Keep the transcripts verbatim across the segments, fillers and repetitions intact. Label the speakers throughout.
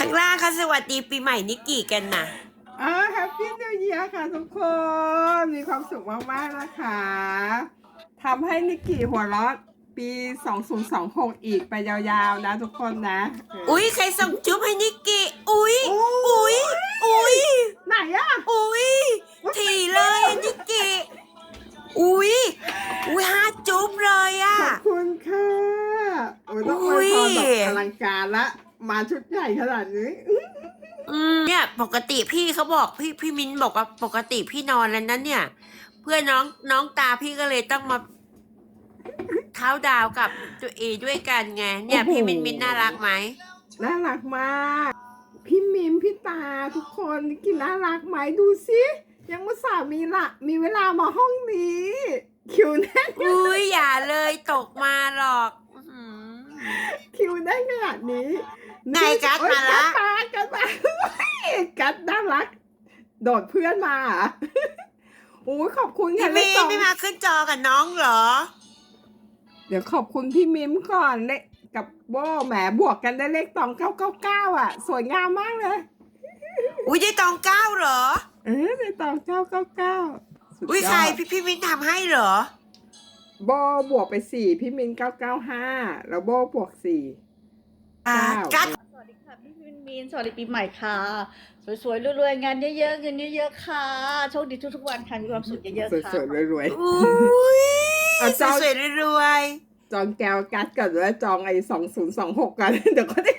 Speaker 1: างล่างค่ะสวัสดีปีใหม่นิกกี้กันนะ
Speaker 2: อ่าแฮปปี้นิวเยียร์ค่ะทุกคนมีความสุขมากๆนะคะทำให้นิกกี้หัวเราะปีสองพันยี่สิบหกอีกไปยาวๆนะทุกคนนะ
Speaker 1: อุ้ยใครส่งจุ๊บให้นิกกี้อุ้ยอุ้ยอุ้ย
Speaker 2: ไหนอะ
Speaker 1: อุ้ยทีเลยนิกกี้อุ้ยอุ้ยห้าจุ๊บเลยอะ
Speaker 2: ขอบคุณค่ะโอ้ยต้องอวยพรแบบอลังการละมาชุดใหญ่ขนาดนี้
Speaker 1: อืมเนี่ยปกติพี่เขาบอกพี่พี่มิ้นบอกว่าปกติพี่นอนแล้วนั้นเนี่ย เพื่อนน้องน้องตาพี่ก็เลยต้องมาเท้าดาวกับตัวเอด้วยกันไงเนี่ยพี่มิ้นมิ้นน่ารักไหม
Speaker 2: น่ารักมากพี่มิมพี่ตาทุกคนกินน่ารักไหมดูสิยังมุสามีละมีเวลามาห้องนี้คิวแน่น
Speaker 1: อุ้ยอย่าเลยตกมาหรอก
Speaker 2: คิวได้ขนาดนี้
Speaker 1: ไงกัดมาละ
Speaker 2: กัดมากัดน่ารักโดดเพื่อนมาโอ้ยขอบคุณค่ะ
Speaker 1: พี่มิมไม่มาขึ้นจอกับน้องเหรอ
Speaker 2: เดี๋ยวขอบคุณพี่มิมก่อนเลขกับโบแหมบวกกันได้เลขตองเก้าเก้าเก้าอ่ะสวยงามมากเลย
Speaker 1: อุ้ยได้ตองเก้าเหรอ
Speaker 2: เออได้ตองเก้าเก้าเก้า
Speaker 1: อุ้ยใครพี่พี่มินทำให้เหรอ
Speaker 2: โบบวกไปสี่พี่มินเก้าเก้าห้าแล้วโบบวกสี่
Speaker 1: กัด
Speaker 3: สวัสดีค่ะพี่มินมินสวัสดีปีใหม่ค่ะสวยๆรวยๆงานเยอะๆเงินเยอะๆค่ะโชคดีทุกๆวันค่ะมีความสุขเยอะๆค่ะ
Speaker 2: สวยๆรวย
Speaker 1: ๆอุ้ยสวยๆรวย
Speaker 2: ๆจองแก้วกัดก่อนแล้วจองไอ้สองศูนย์สองหกกันเดี๋ยวก็ได้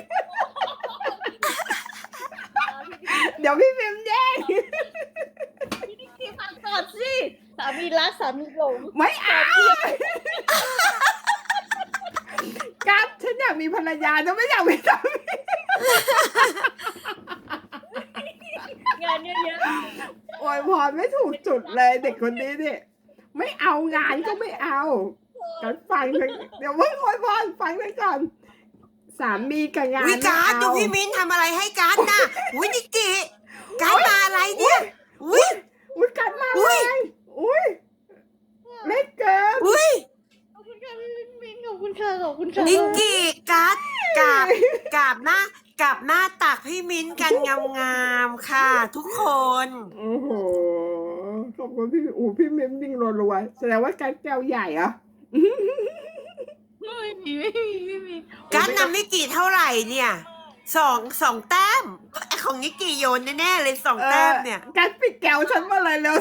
Speaker 2: เดี๋ยวพี่มิมแย่ง
Speaker 3: พี่นิกกี้ฟังก่อนสิสามีรักสามีหลง
Speaker 2: ไม่เอากัดฉันอยากมีภรรยาจะไม่อยากมีสามี
Speaker 3: งานเยอะ
Speaker 2: ๆโอยพรไม่ถูกจุดเลยเด็กคนนี้นี่ไม่เอางานก็ไม่เอากันฟังเลยเดี๋ยวเพิ่งโอยพรฟังเลยก่อนสามีกับงาน
Speaker 1: วิการดูพี่มิ้นทำอะไรให้การนะอุ้ยนิกกี้การมาอะไรเนี่ยอุ้ย
Speaker 2: อุ้ยการมาอะไรอุ้ยเล็กเกิน
Speaker 1: อุ้ย
Speaker 3: ขอบคุณค่ะพี่มินมินขอบคุณค่ะขอบคุณค่ะ
Speaker 1: นิกกี้การกราบกราบหน้ากราบหน้าตักพี่มิ้นกันงามๆค่ะ ทุกคน
Speaker 2: โอ้โหขอบคุณพี่อูพี่มิ้นดิ้งรัวๆแสดงว่าการแก้วใหญ่เหรอ
Speaker 3: ไม่มีไม่มีไม่มี
Speaker 1: การนำนิกกี้เท่าไหร่เนี่ยสองสองแต้มของนิกกี้โยนแน่ๆเลยสองแต้มเนี่ย
Speaker 2: การปิดแก้วฉันมาเลยเร็ว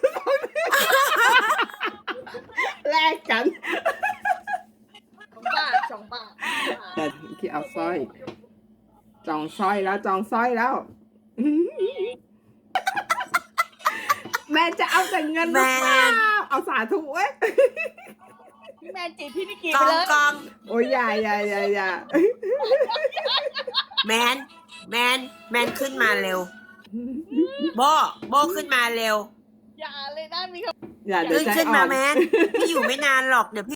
Speaker 2: แลกกัน
Speaker 3: สองบาทสองบาท
Speaker 2: แต่ที่เอาสร้อยจองสร้อยแล้วจองสร้อยแล้วแม่จะเอาแต่เงินหรือเปล่าเอาสาธุเว้ย
Speaker 3: พี่แมนจีบพี่นิกกี้
Speaker 1: ก
Speaker 3: ไป
Speaker 1: อง
Speaker 3: เลย
Speaker 1: กอง
Speaker 2: โอ้ยอย่าอย่าอย่าอย่า
Speaker 1: แมนแมนแมนขึ้นมาเร็วโบโบขึ้นมาเร็ว
Speaker 3: อย่าเลยนะมีค
Speaker 2: อย่าเดี๋ยว
Speaker 1: ขึ้นขึ้นมาแมนพี่อยู่ไม่นานหรอกเดี๋ยวพี่